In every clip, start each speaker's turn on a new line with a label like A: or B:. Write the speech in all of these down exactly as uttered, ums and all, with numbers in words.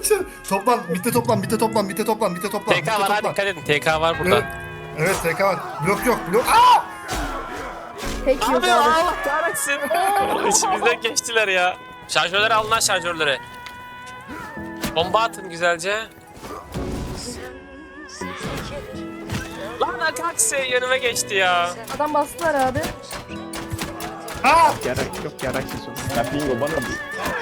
A: kaçın. Toplan, bitte toplan, bitte toplan, bitte toplan, bitte toplan.
B: T K var ha, dikkat edin. T K var burada.
A: Evet, evet T K var. Blok yok, blok. Aa!
C: Tek yok
B: Abi
C: abi.
B: Allah kahretsin. İçimizden geçtiler ya. Şarjörleri alın lan şarjörleri. Bomba atın güzelce. Lan Akaksi önüme geçti ya.
C: Adam bastılar abi.
A: Aa!
D: Yarak yok yarak sezonu.
E: Ya bingo bana bir.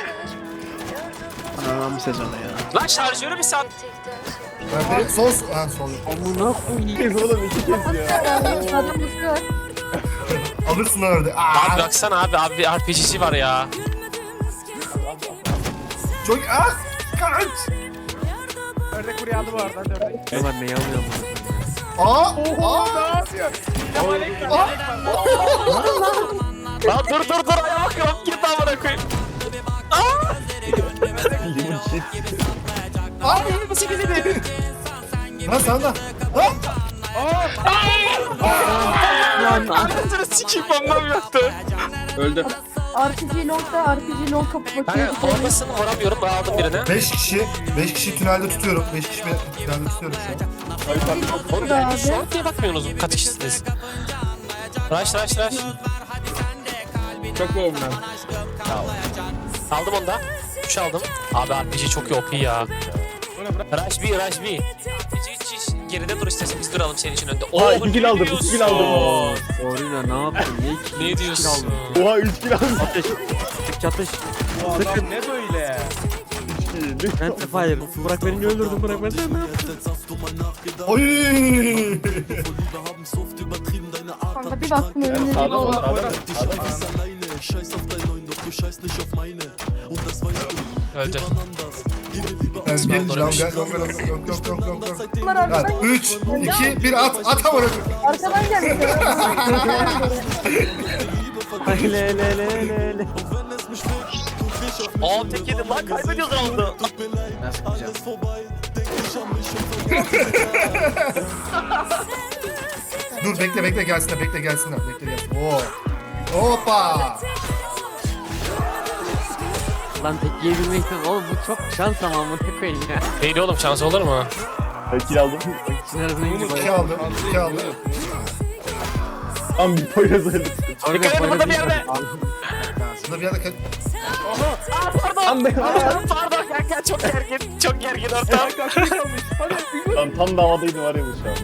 D: Anam sezonu ya.
B: Lan şarjörü bir sat.
A: Nerede? Sol, ha sol.
D: Amına koyayım.
E: Kez oğlum iki kez ya.
C: Adam basıyor.
A: Alırsın orada. Aa!
B: Abi baksana abi abi R P G'si var ya.
A: Çok az. Kaç.
D: Ördek buraya aldı bu arada. Ördek.
F: Ne var neyi alıyorum bunu?
A: Aa! Aa! Aa!
B: Lan dur dur dur ayağa bakıyorum. Git amına koyayım.
E: Limon shit.
A: Abi yirmi sekiz idi. Lan sen de. Lan!
B: Anasını sikeyim bombam yoktu.
E: Öldü.
C: R P G long'da R P G long kapı bakıyor.
B: Kanka formasını vuramıyorum. Ben aldım birini.
A: beş kişi, beş kişi tünelde tutuyorum. beş kişi tünelde tutuyorum şu an.
B: Oğlum yani şu an diye bakmıyorsunuz kaç kişisiniz. Rush rush rush.
E: Çok boğum ben.
B: Aldım onu da. üç aldım. Abi R P G çok iyi O P ya. Rush B Rush B. R P G hiç hiç geride dur istesin biz duralım senin için önde.
E: Aa,
B: Oo,
E: iki kill
B: ne
E: aldım, iki
B: diyorsun?
E: kill aldım.
F: Orina ne yaptın? Ne iki?
B: Ne
F: üç kill
B: diyorsun?
F: aldın?
E: Oha üç kill aldım.
F: Atış. Çatış çatış.
D: Bu adam ne böyle?
F: Ben fire. Bırak beni öldürdüm bırak beni.
A: Oy!
C: Kanka bir baktım önümde
E: Sağda
C: bir
E: mı?
C: var.
E: Sağda mı?
B: Öldü.
A: Ben bir
B: Doğru.
A: lan gel, yok yok yok yok yok yok yok yok.
C: Bunlar arkadan
A: Lan üç, iki, bir at, at ama.
C: Arkadan geldi.
F: Ay le le le le le.
B: Aa tek yedim lan kaybediyoruz roundu.
A: Dur bekle bekle gelsinler, bekle gelsinler, bekle gelsin. Oo. Hoppa!
F: Lan tek yiyebilmekten oğlum bu çok şans ama amına koyayım ya.
B: Değil oğlum şans olur mu?
E: Ben kill aldım.
F: İçin arasına gidip
A: İki aldım, iki aldım.
E: Tam bir poyraz öldü.
B: Dikkat edin burada bir yerde.
A: Burada bir yerde kaç...
B: Aa pardon. Pardon pardon kanka çok gergin. Çok gergin ortam.
E: Tam, tam da havadaydı var ya bu şu an.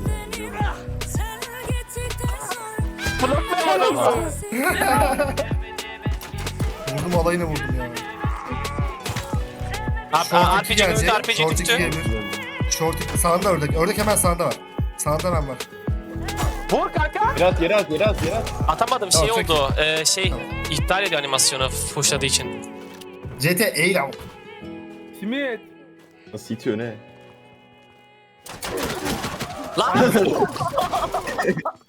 B: Bloklayamadım.
A: Vurdum alayına vurdum ya.
B: Abi R P G önünde R P G
A: Short iki
B: düştü.
A: gelir. Short iki, sağında ördek. Ördek hemen sağında var. Sağında hemen var.
B: Vur kanka.
E: Yere at yere at yere at yere at.
B: Atamadım şey
A: Tamam,
B: oldu. Ee, şey iptal ediyor animasyonu pushladığı için.
A: C T eğil av.
D: Simit.
E: Nasıl itiyor ne?
B: Lan!